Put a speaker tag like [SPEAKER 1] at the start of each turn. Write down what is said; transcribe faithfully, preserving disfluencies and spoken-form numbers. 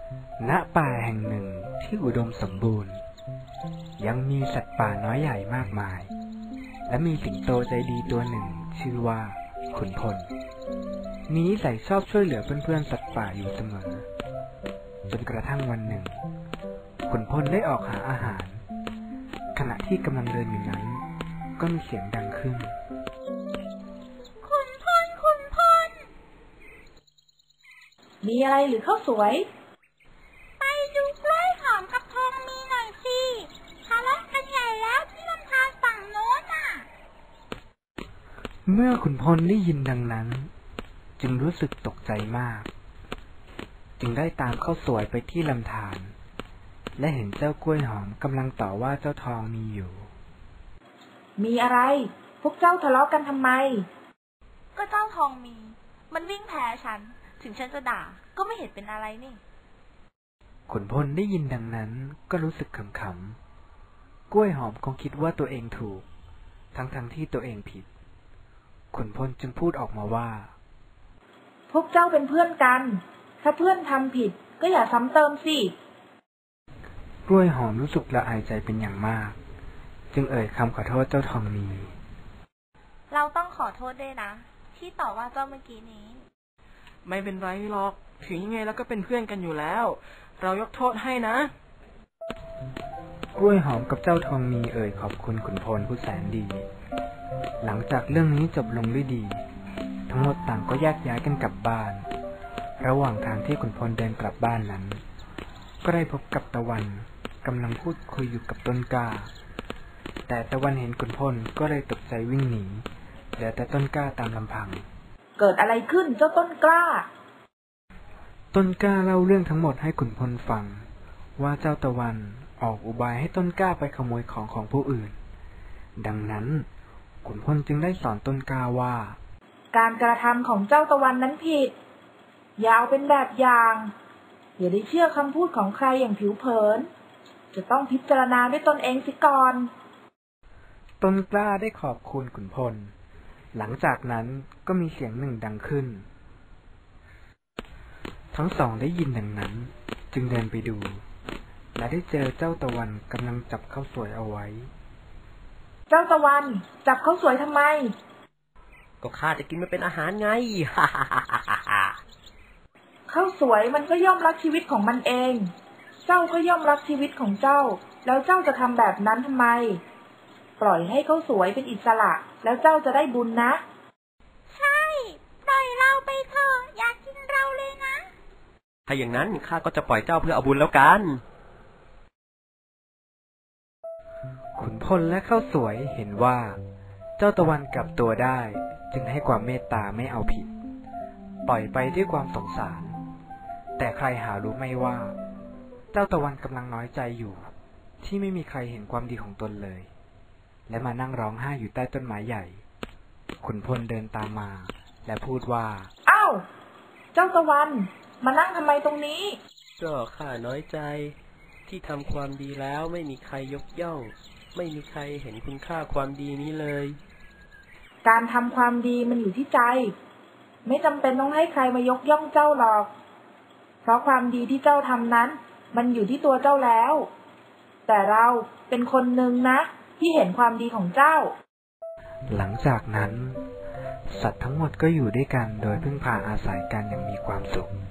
[SPEAKER 1] ณป่าแห่งหนึ่งที่อุดมสมบูรณ์ยังมีสัตว์ป่าน้อยใหญ่มากมายและมีสิงโตใจดีตัวหนึ่งชื่อว่าขุนพลมีนิสัยชอบช่วยเหลือเพื่อนๆสัตว์ป่าอยู่เสมอจนกระทั่งวันหนึ่งขุนพลได้ออกหาอาหารขณะที่กำลังเดินอยู่นั้นก็มีเสียงดังขึ้น
[SPEAKER 2] ขุนพลขุนพลมีอะไรหรือข้าวสวยไปดูกล้วยหอมกับทองมีหน่อยสิทะเลาะกันใหญ่แล้วที่ลำธารฝั่งโน้นน่ะ
[SPEAKER 1] เมื่อขุนพลได้ยินดังนั้นจึงรู้สึกตกใจมากจึงได้ตามข้าวสวยไปที่ลำธารและเห็นเจ้ากล้วยหอมกำลังต่อว่าเจ้าทองมีอยู่
[SPEAKER 2] มีอะไรพวกเจ้าทะเลาะกันทำไม
[SPEAKER 3] ก็เจ้าทองมีมันวิ่งแพ้ฉันถึงฉันจะด่าก็ไม่เห็นเป็นอะไรนี่
[SPEAKER 1] ขุนพลได้ยินดังนั้นก็รู้สึกขำๆกล้วยหอมคงคิดว่าตัวเองถูกทั้งๆที่ตัวเองผิดขุนพลจึงพูดออกมาว่า
[SPEAKER 2] พวกเจ้าเป็นเพื่อนกันถ้าเพื่อนทำผิดก็อย่าซ้ำเติมสิ
[SPEAKER 1] กล้วยหอมรู้สึกละอายใจเป็นอย่างมากจึงเอ่ยคำขอโทษเจ้าทองมี
[SPEAKER 3] เราต้องขอโทษด้วยนะที่ต่อว่าเจ้าเมื่อกี้นี้
[SPEAKER 4] ไม่เป็นไรหรอกถึงยังไงแล้วก็เป็นเพื่อนกันอยู่แล้วเรายกโทษให้นะ
[SPEAKER 1] กล้วยหอมกับเจ้าทองมีเอ่ยขอบคุณขุนพลผู้แสนดีหลังจากเรื่องนี้จบลงด้วยดีทั้งหมดต่างก็แยกย้ายกันกลับบ้านระหว่างทางที่ขุนพลเดินกลับบ้านนั้นก็ได้พบกับตะวันกำลังพูดคุยอยู่กับต้นกล้าแต่ตะวันเห็นขุนพลก็เลยตกใจวิ่งหนีเหลือแต่ต้นกล้าตามลำพัง
[SPEAKER 2] เกิดอะไรขึ้นเจ้าต้นกล้า
[SPEAKER 1] ต้นกล้าเล่าเรื่องทั้งหมดให้ขุนพลฟังว่าเจ้าตะวันออกอุบายให้ต้นกล้าไปขโมยของของผู้อื่นดังนั้นขุนพลจึงได้สอนต้นกล้าว่า
[SPEAKER 2] การกระทำของเจ้าตะวันนั้นผิดอย่าเอาเป็นแบบอย่างอย่าได้เชื่อคำพูดของใครอย่างผิวเผินจะต้องพิจารณาด้วยตนเองสิก่อน
[SPEAKER 1] ต้นกล้าได้ขอบคุณขุนพลหลังจากนั้นก็มีเสียงหนึ่งดังขึ้นทั้งสองได้ยินดังนั้นจึงเดินไปดูและได้เจอเจ้าตะวันกำลังจับข้าวสวยเอาไว้
[SPEAKER 2] เจ้าตะวันจับข้าวสวยทำไม
[SPEAKER 4] ก็ข้าจะกินมันเป็นอาหารไง ฮ่าฮ่าฮ่าฮ่า
[SPEAKER 2] ข้าวสวยมันก็ย่อมรักชีวิตของมันเองเจ้าก็ย่อมรักชีวิตของเจ้าแล้วเจ้าจะทำแบบนั้นทำไมปล่อยให้ข้าวสวยเป็นอิสระแล้วเจ้าจะได้บุญนะ
[SPEAKER 3] ใช่ปล่อยเราไปเถอะอย่ากินเราเลยนะ
[SPEAKER 4] ถ้าอย่างนั้นข้าก็จะปล่อยเจ้าเพื่อเอาบุญแล้วกัน
[SPEAKER 1] ขุนพลและข้าวสวยเห็นว่าเจ้าตะวันกลับตัวได้จึงให้ความเมตตาไม่เอาผิดปล่อยไปด้วยความสงสารแต่ใครหารู้ไม่ว่าเจ้าตะวันกำลังน้อยใจอยู่ที่ไม่มีใครเห็นความดีของตนเลยและมานั่งร้องไห้อยู่ใต้ต้นไม้ใหญ่ขุนพลเดินตามมาและพูดว่า
[SPEAKER 2] อ้าวเจ้าตะวันมานั่งทำไมตรงนี้
[SPEAKER 4] ก็ข้าน้อยใจที่ทำความดีแล้วไม่มีใครยกย่องไม่มีใครเห็นคุณค่าความดีนี้เลย
[SPEAKER 2] การทำความดีมันอยู่ที่ใจไม่จำเป็นต้องให้ใครมายกย่องเจ้าหรอกเพราะความดีที่เจ้าทำนั้นมันอยู่ที่ตัวเจ้าแล้วแต่เราเป็นคนหนึ่งนะที่เห็นความดีของเจ้า
[SPEAKER 1] หลังจากนั้นสัตว์ทั้งหมดก็อยู่ด้วยกันโดยพึ่งพาอาศัยกันอย่างมีความสุข